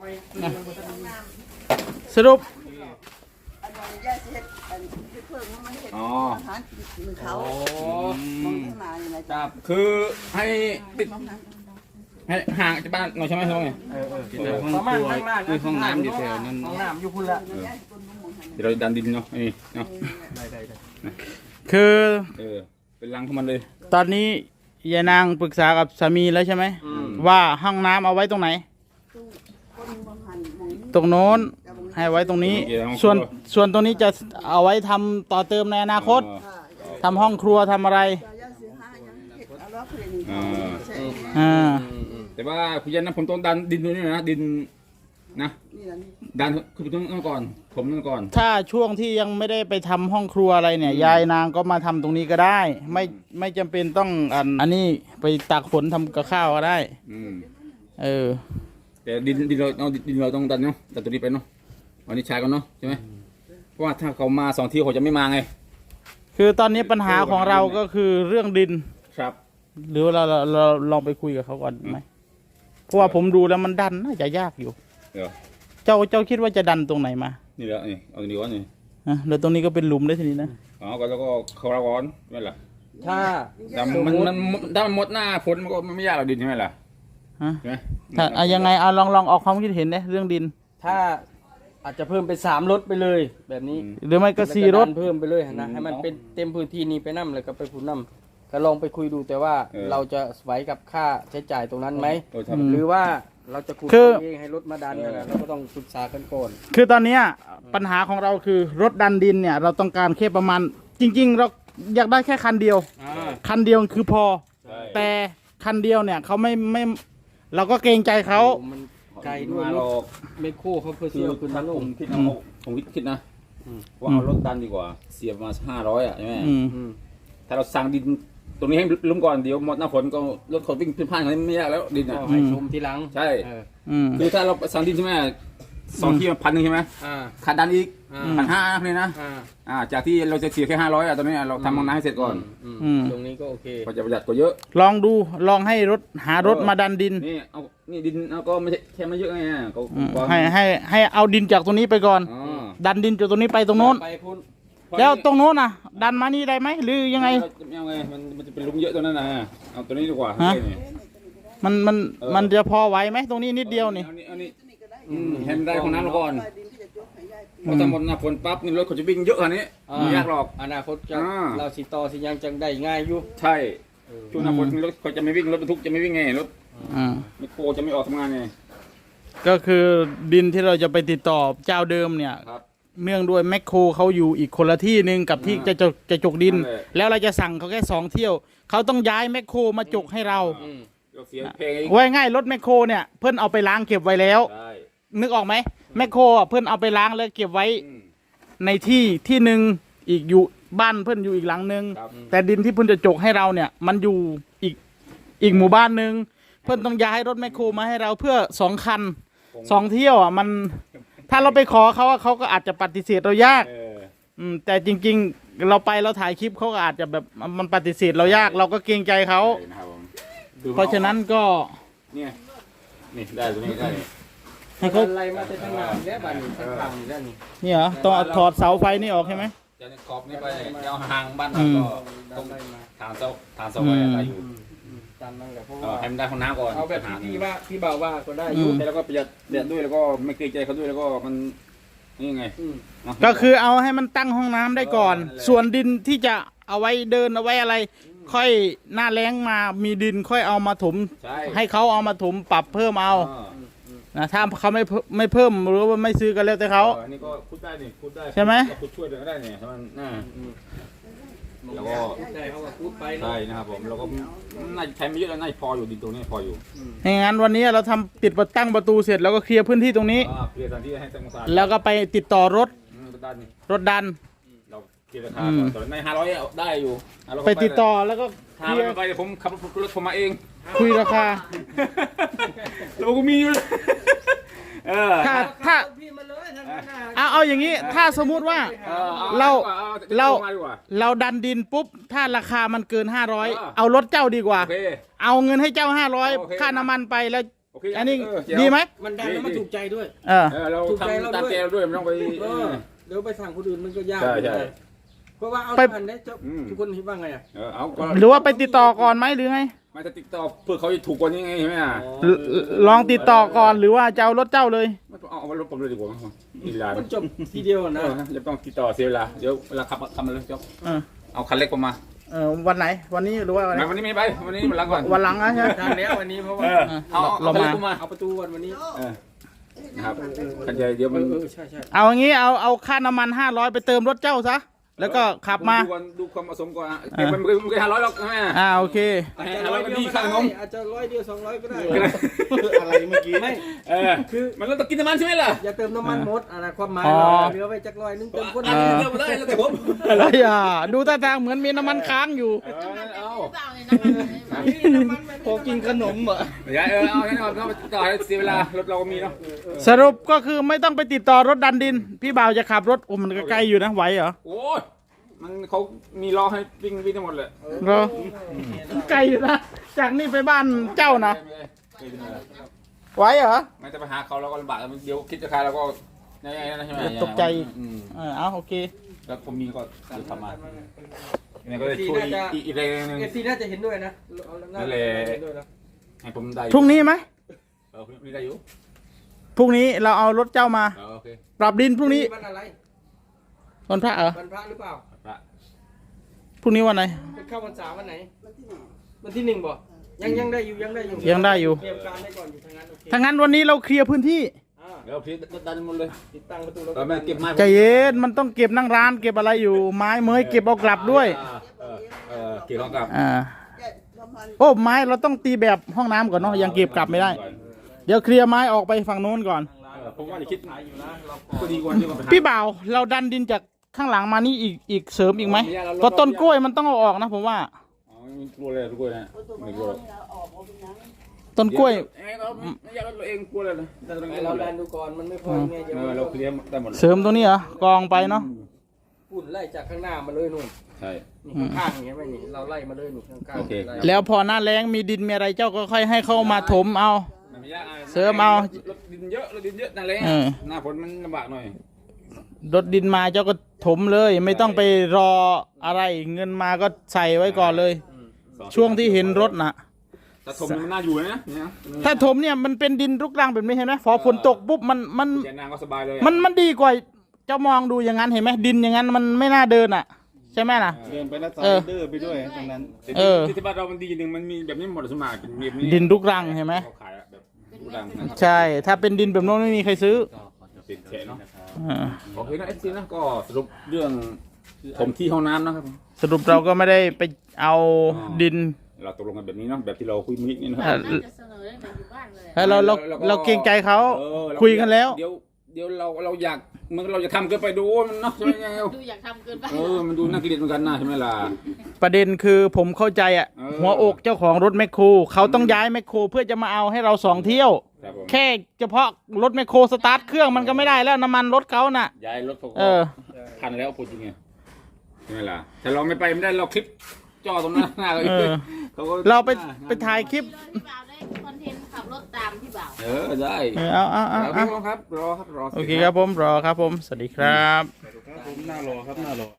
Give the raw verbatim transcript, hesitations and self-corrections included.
สรุปอ๋อเขาครับคือให้ติดให้ห่างจากบ้านหน่อยใช่ไหมครับไงประมาณข้างล่างคือห้องน้ำอยู่แถวนั้นห้องน้ำอยู่พุ่นละเดี๋ยวเราดันดินเนาะนี่เนาะได้ได้ได้คือเออเป็นรังของมันเลยตอนนี้ยายนางปรึกษากับสามีแล้วใช่ไหมว่าห้องน้ำเอาไว้ตรงไหนตรงโน้นให้ไว้ตรงนี้ส่วนส่วนตรงนี้จะเอาไว้ทำต่อเติมในอนาคตทำห้องครัวทำอะไรอ่าแต่ว่าคุณยันนะผมต้องดันดินตรงนี้นะดินนะดันคือต้องก่อนผมต้องก่อนถ้าช่วงที่ยังไม่ได้ไปทำห้องครัวอะไรเนี่ยยายนางก็มาทำตรงนี้ก็ได้ไม่ไม่จำเป็นต้องอันอันนี้ไปตากฝนทำกับข้าวก็ได้เออแต่ดินดินเราเอาดินเราต้องดันเนาะดันตัวนี้ไปเนาะวันนี้ชายกันเนาะใช่ไหมเพราะว่าถ้าเขามาสองที่เขาจะไม่มาไงคือตอนนี้ปัญหาของเราก็คือเรื่องดินครับหรือเราเราเราลองไปคุยกับเขาก่อนไหมเพราะว่าผมดูแล้วมันดันน่าจะยากอยู่เจ้าเจ้าคิดว่าจะดันตรงไหนมานี่แหละนี่เอาตรงนี้ก่อนนี่อ่ะแล้วตรงนี้ก็เป็นหลุมได้ทีนี้นะอ๋อก็แล้วก็เขาละก้อนไม่ล่ะถ้ามันมันถ้ามันหมดหน้าฝนมันก็ไม่ยากหรอกดินใช่ไหมล่ะฮะใช่ไหมถ้าอะยังไงเอาลองลองออกความคิดเห็นเนี่ยเรื่องดินถ้าอาจจะเพิ่มเป็นสามรถไปเลยแบบนี้หรือไม่ก็สี่รถเพิ่มไปเลยนะให้มันเป็นเต็มพื้นที่นี้ไปนั่มเลยก็ไปพูนนั่มก็ลองไปคุยดูแต่ว่าเราจะไหวกับค่าใช้จ่ายตรงนั้นไหมหรือว่าเราจะขุดเองให้รถมาดันนะเราก็ต้องปรึกษากันก่อนคือตอนนี้ปัญหาของเราคือรถดันดินเนี่ยเราต้องการแค่ประมาณจริงๆเราอยากได้แค่คันเดียวคันเดียวคือพอแต่คันเดียวเนี่ยเขาไม่ไม่เราก็เกรงใจเขาไกลด้วยรถไม่โค้เขาเพื่อเสียคุณนะลุงคิดนะผมคิดนะว่าเอารถดันดีกว่าเสียมาห้าร้อยอ่ะใช่ไหมถ้าเราสั่งดินตรงนี้ให้ล้มก่อนเดี๋ยวหมดหน้าฝนก็รถขนวิ่งขึ้นผ่านอะไรไม่ยากแล้วดินอ่ะให้ชมทีหลังใช่คือถ้าเราสั่งดินใช่ไหมสองที่พันหนึ่งใช่ไหมขาดดันอีกพันห้าเลยนะจากที่เราจะเสียแค่ห้าร้อยอ่ะตอนนี้เราทำห้องน้ำให้เสร็จก่อนตรงนี้ก็โอเคก็จะประหยัดกว่าเยอะลองดูลองให้รถหารถมาดันดินนี่เอานี่ดินเราก็ไม่ใช่แค่ไม่เยอะไงให้ให้ให้เอาดินจากตรงนี้ไปก่อนดันดินจากตรงนี้ไปตรงโน้นแล้วตรงโน้นน่ะดันมานี่ได้ไหมหรือยังไงยังไงมันมันจะเป็นลุมเยอะตรงนั้นนะเอาตัวนี้ดีกว่ามันมันมันจะพอไหวไหมตรงนี้นิดเดียวนี่เห็นได้ของน้ำก่อนพอทำหมดหน้าฝนปั๊บนี่รถเขาจะวิ่งเยอะขนาดนี้ไม่ยากหรอกอนาคตจะเราสิต่อสิยังจังได้ง่ายอยู่ใช่ช่วงหน้าฝนรถเขาจะไม่วิ่งรถบรรทุกจะไม่วิ่งไงรถมิโครจะไม่ออกทำงานไงก็คือดินที่เราจะไปติดต่อเจ้าเดิมเนี่ยเนื่องด้วยแมคโครเขาอยู่อีกคนละที่หนึ่งกับที่จะจะจกดินแล้วเราจะสั่งเขาแค่สองเที่ยวเขาต้องย้ายแมคโครมาจกให้เราไว้ง่ายรถแมคโครเนี่ยเพื่อนเอาไปล้างเก็บไว้แล้วนึกออกไหมแมคโครเพื่อนเอาไปล้างแล้วเก็บไว้ในที่ที่หนึ่งอีกอยู่บ้านเพื่อนอยู่อีกหลังหนึ่งแต่ดินที่เพื่อนจะจกให้เราเนี่ยมันอยู่อีกอีกหมู่บ้านหนึ่งเพื่อนต้องย้ายรถแมคโครมาให้เราเพื่อสองคันสองเที่ยวอ่ะมันถ้าเราไปขอเขาเขาก็อาจจะปฏิเสธเรายากอืมแต่จริงๆเราไปเราถ่ายคลิปเขาก็อาจจะแบบมันปฏิเสธเรายากเราก็เกรงใจเขาเพราะฉะนั้นก็เนี่ยนี่ได้ตรงนี้ได้ให้เขาไล่มาแต่ทางหน้าแล้วบ้านนี้ทางหลังนี่ด้านนี้นี่เหรอต้องถอดเสาไฟนี่ออกใช่ไหมจะขอบนี่ไปเอาห่างบ้านเราก็ต้องฐานเสาฐานเสาไฟอะไรอยู่ตามนั่นแหละเพราะว่าให้มันได้ห้องน้ำก่อนเอาแบบที่ว่าที่บ่าวว่าก็ได้อยู่แต่แล้วก็ประหยัดประหยัดด้วยแล้วก็ไม่เกรงใจเขาด้วยแล้วก็มันนี่ไงก็คือเอาให้มันตั้งห้องน้ำได้ก่อนส่วนดินที่จะเอาไว้เดินเอาไว้อะไรค่อยหน้าแล้งมามีดินค่อยเอามาถมให้เขาเอามาถมปรับเพิ่มเอานะถ้าเขาไม่ไม่เพิ่มหรือว่าไม่ซื้อกันแล้วแต่เขาอันนี้ก็พูดได้นี่พูดได้ใช่ไหมพูดช่วยก็ได้เนี่ยมันน่าแล้วก็ได้เขาก็พูดไปใช่นะครับผมแล้วก็น่าใช้ไม่เยอะแล้วน่าพออยู่ดินตรงนี้พออยู่งั้นวันนี้เราทำติดประตั้งประตูเสร็จแล้วก็เคลียร์พื้นที่ตรงนี้เคลียร์สถานที่ให้สงสารแล้วก็ไปติดต่อรถรถดันเราเคลียร์ราคาตอนในห้าร้อยได้อยู่ไปติดต่อแล้วก็เคลียร์ไปผมขับรถผมมาเองคุยราคาเราก็มีอยู่ถ้าถ้าเอาเอาอย่างนี้ถ้าสมมุติว่าเราเราเราดันดินปุ๊บถ้าราคามันเกินห้าร้อยเอารถเจ้าดีกว่าเอาเงินให้เจ้าห้าร้อยค่าน้ำมันไปแล้วโอเคอันนี้เเยวดีไหมมันดังแล้วมันถูกใจด้วยเออเออเราถูกใจเราทำตามด้วยใจเราด้วยไม่ต้องไปเออเดี๋ยวไปสั่งคนอื่นมันก็ยากใช่ใช่เพราะว่าเอาไปทันได้เจ้าอืมทุกคนคิดว่าไงอ่ะเออเอาก็หรือว่าไปติดต่อก่อนไหมหรือไงไม่จะติดต่อเพื่อเขาจะถูกกว่านี้ไงใช่ไหมอ่ะลลองติดต่อก่อนหรือว่าจะเอารถเจ้าเลยไม่ต้องเอาเอารถผมเลยดีกว่าอีลามันจบทีเดียวเอนะอจะต้องติดต่อเสียเวลาเดี๋ยวเวลาขับขับมาเลยจบเออเอาคันเล็กผมมาเออวันไหนวันนี้หรือว่าวันไหนไม่วันนี้ไม่ไปวันนี้มันหลังก่อนวันหลังนะใช่ไหมทันแล้ววันนี้เพราะว่าเออเอาเอาเราคันมาเล็กผมมาเอาประตูวันวันนี้เออนะครับคันใหญ่เดี๋ยวเอมันอเออใช่ใช่เอาอย่างงี้เอาเอาค่าน้ำมันห้าร้อยไปเติมรถเจ้าซะแล้วก็ขับมาดูก่อนดูความเหมาะสมก่อนอ่ะเก็บมันไม่ไม่เคยห้าร้อยหรอกใช่ไหมอ่าโอเคอาจจะห้าร้ร้ออย ยก็เดียวดีก็ข้างนได้มอาจจะร้อยเดียวสองร้อยก็ได้อะไรเมื่อกี้ไม่เออคือมันต้องกินน้ำมันใช่ไหมล่ะอย่าเติมน้ำมันหมดอะไรความหมายอ๋อเราเหลือไว้จักร้อยนึงเติมคนอันเดีนี้ยวเติมมาได้แล้วแต่ผมอะไรอ่ะดูท่าทางเหมือนมีน้ำมันค้างอยู่เออเอาพอกินขนมเหรออย่าเออเอาแน่นอนเขาต่อให้เสียเวลารถเราก็มีเนาะสรุปก็คือไม่ต้องไปติดต่อรถดันดิน พี่บ่าวจะขับรถโอ้มันก็ไกลอยู่นะไหวเหรอโอ้ยมันเขามีล้อให้วิ่งวิ่งทั้งหมดเลยเหรอไกลอยู่นะจากนี่ไปบ้านเจ้านะไหวเหรอไม่จะไปหาเขาเราก็ลำบากเดี๋ยวคิดจะขายเราก็ยังไงนะใช่ไหมตกใจอืมเออเอาโอเคแล้วผมมีก็จะทำมาเนี่ยก็เลยช่วยอีกอีกแรงหนึงเอฟซีน่าจะเห็นด้วยนะเอานั่นแหละเห็นด้วยนะให้ผมได้พรุ่งนี้ไหมเออพรุ่งนี้ได้อยู่พรุ่งนี้เราเอารถเจ้ามาเออโอเคปรับดินพรุ่งนี้วันอะไรวันพระเหรอวันพระหรือเปล่าพระพรุ่งนี้วันไหนเป็นเข้าพรรษาวันไหนวันที่หนึ่งบ่ยังยังได้อยู่ยังได้อยู่ยังได้อยู่เตรียมการได้ก่อนอยู่ทางนั้นโอเคถ้างั้นวันนี้เราเคลียร์พื้นที่อ่าเดี๋ยวพี่ดันหมดเลยติดตั้งประตูแล้วเออแม่เก็บไม้ใจเย็นมันต้องเก็บนั่งร้านเก็บอะไรอยู่ ไม้เมยเก็บเอากลับด้วยเออเออเก็บของกลับอ่าโอ้ไม้เราต้องตีแบบห้องน้ำก่อนเนาะยังเก็บกลับไม่ได้ เดี๋ยวเคลียร์ไม้ออกไปฝั่งโน้นก่อนเออผมว่าจะคิดก็ดีกว่าที่มันไปหาพี่บ่าวเราดันดินจากข้างหลังมานี่อีกอีกเสริมอีกไหมเพราะต้นกล้วยมันต้องเอาออกนะผมว่าอ๋อไม่กลัวเลยกลัวนะไม่กลัวหรอกต้นกล้วยเอ้ยเราไม่อยากเราเองกลัวเลยนะดันตรงนี้เราเราดัดันนดูก่อนมันไม่พอยังไงเดี๋ยวเออเราเคลียร์ได้หมดเลยเสริมตรงนี้เหรอกองไปเนาะปุ่นไล่จากข้างหน้ามาเลยนู่นใช่นี่ข้างๆอย่างเงี้ยไม่นี่เราไล่มาเลยนี่ข้างๆโอเคไล่แล้วพอหน้าแรงมีดินมีอะไรเจ้าก็ค่อยให้เข้ามาถมเอามันไม่ยากอ่ะเสริมเอารถดินเยอะรถดินเยอะนั่นแหละเออหน้าฝนมันลำบากหน่อยรถดินมาเจ้าก็ถมเลย ไม่ต้องไปรออะไรเงินมาก็ใส่ไว้ก่อนเลย ช่วงที่เห็นรถน่ะแต่ถมมันน่าอยู่นะเนี่ยถ้าถมเนี่ยมันเป็นดินรุกรังแบบนี้เห็นไหมพอฝนตกปุ๊บมันมันแกนางก็สบายเลยมันมันดีกว่าเจ้ามองดูอย่างนั้นเห็นไหมดินอย่างนั้นมันไม่น่าเดินอ่ะ ใช่ไหมล่ะเดินไปแล้วสไลเออเดอร์ไปด้วยตรงนั้นเออที่บ้านเรามันดีอย่างหนึ่งมันมีแบบนี้หมดสมัครเป็นแบบนี้ดินรุกรังเห็นไหมเขาขายอะแบบรุกรังนะครับใช่ ถ้าเป็นดินแบบโน้นไม่มีใครซื้อเป็นแฉะเนาะอ่าโอเคนะเอฟซีนะก็สรุปเรื่องผมที่ห้องน้ำนะครับสรุปเราก็ไม่ได้ไปเอาดินเราตกลงกันแบบนี้เนาะแบบที่เราคุยมิกนี่นะคอ่ารับน่าจะเสนอตั้งแต่อยู่บ้านเลยแล้วเราเราแล้วก็เราเกรงใจเขาเออเราคุยกันแล้วเดี๋ยวเดี๋ยวเราเราอยากมันเราจะทำเกินไปดูมันเนาะใช่ไหมไงดูอยากทำเกินไปเออมันดูน่าเกลียดเหมือนกันนะใช่ไหมล่ะประเด็นคือผมเข้าใจอ่ะเออหัวอกเจ้าของรถแมคโครเขาต้องย้ายแมคโครเพื่อจะมาเอาให้เราสองเที่ยวครับผมแค่เฉพาะรถแมคโครสตาร์ทเครื่องมันก็ไม่ได้แล้วน้ำมันรถเขาน่ะย้ายรถเขาเออพันแล้วพูดจริงไงใช่ไหมล่ะแต่เราไม่ไปไม่ได้เราคลิปจ่อตรงหน้าหน้าเลยเออเขาก็เราไปไปถ่ายคลิปพี่บ่าวได้คอนเทนต์ขับรถตามพี่บ่าวเออได้เออเอาเอาเอาโอเคเอาครับรอครับรอโอเคครับผมรอครับผม สวัสดีครับครับผมหน้ารอครับหน้ารอ